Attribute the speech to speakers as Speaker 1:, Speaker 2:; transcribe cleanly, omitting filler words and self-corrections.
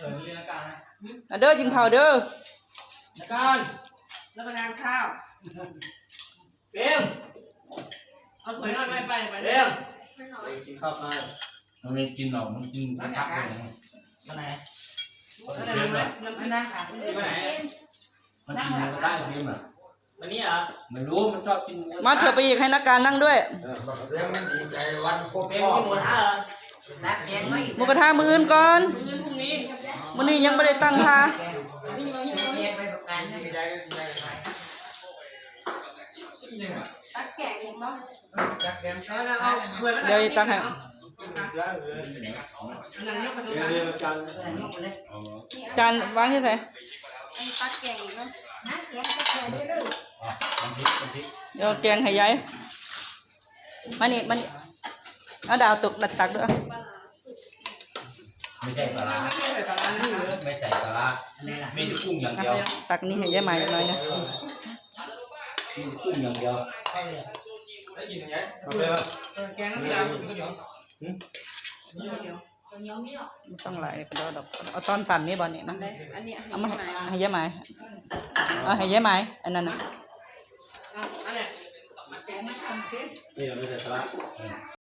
Speaker 1: เรียนการนะ
Speaker 2: เด้อกินข้าวเด้อ
Speaker 1: การ
Speaker 3: รับประทานข้าว
Speaker 1: เบลเอาถอยหน่อยไม่ไปเบล
Speaker 4: กินข้าวไป
Speaker 5: มันไม่กินหรอกมันกินมันทับเลย
Speaker 1: มาไหน
Speaker 3: น้ำนั่งค่ะ
Speaker 1: มาไหน
Speaker 5: มันกินมันก็ได้เพียงอ่ะ
Speaker 1: วันนี้เหรอ
Speaker 5: ไม่รู้มันชอบกิน
Speaker 2: มาเถอะไปอีกให้นักการนั่งด้วย
Speaker 4: เรื่องมันดีใจวันครบ
Speaker 1: เบ
Speaker 4: ร
Speaker 1: ล
Speaker 4: อบ
Speaker 1: กินหมูท่าเหรอ
Speaker 3: นักแกงไม่
Speaker 2: หมูกระทะมื้ออื่นก่อน
Speaker 1: พรุ่งนี้
Speaker 2: มื้อนี้ยังไม่ได้ตั้งท่า
Speaker 1: นี่มานี่
Speaker 3: แกงไปประกัน
Speaker 4: ดีใจดีใจ
Speaker 3: ตักแกงเห็นบ่
Speaker 4: จักแกม
Speaker 1: เอาถวยมา
Speaker 2: เดี๋ยวตั้งให้
Speaker 1: นั่งยกไปตรง
Speaker 4: เรียน
Speaker 1: นั้น
Speaker 4: เรียนกัน
Speaker 2: จานวางที่ไหน
Speaker 3: ตักแกงเนาะนักแกงตักแกงได้เลย
Speaker 5: น้ำพริกน้ำพริก
Speaker 2: เดี๋ยวแกงให้ยายมานี่มันเอาดาวตกดัดตักด้วย
Speaker 5: ไม่ใช่ปลาร้า
Speaker 1: ไม่ใช่แต่ร้านนี้เลย
Speaker 5: ไม่ใส่ปลาร้ามีแต่กุ้งอย่างเดียว
Speaker 2: ตักนี่ให้ยายใหม่หน่อยนะ
Speaker 5: มีแต่กุ้งอย่างเดียว
Speaker 1: ได้ยินอย่างเงี้ย
Speaker 4: มาเป็น
Speaker 1: แกงน้ำพริกดาวก็เดี๋ยว
Speaker 2: ไม่ต้องหลายเดี๋ยวดอกเอาตอนปั่นนี่บอลนี่นะ
Speaker 3: อันนี้
Speaker 2: เอามาให้ยายใหม่เอาให้ยายใหม่อันนั้นนะ
Speaker 1: อันเนี้ย
Speaker 4: นี่ไม่ใช่ปลา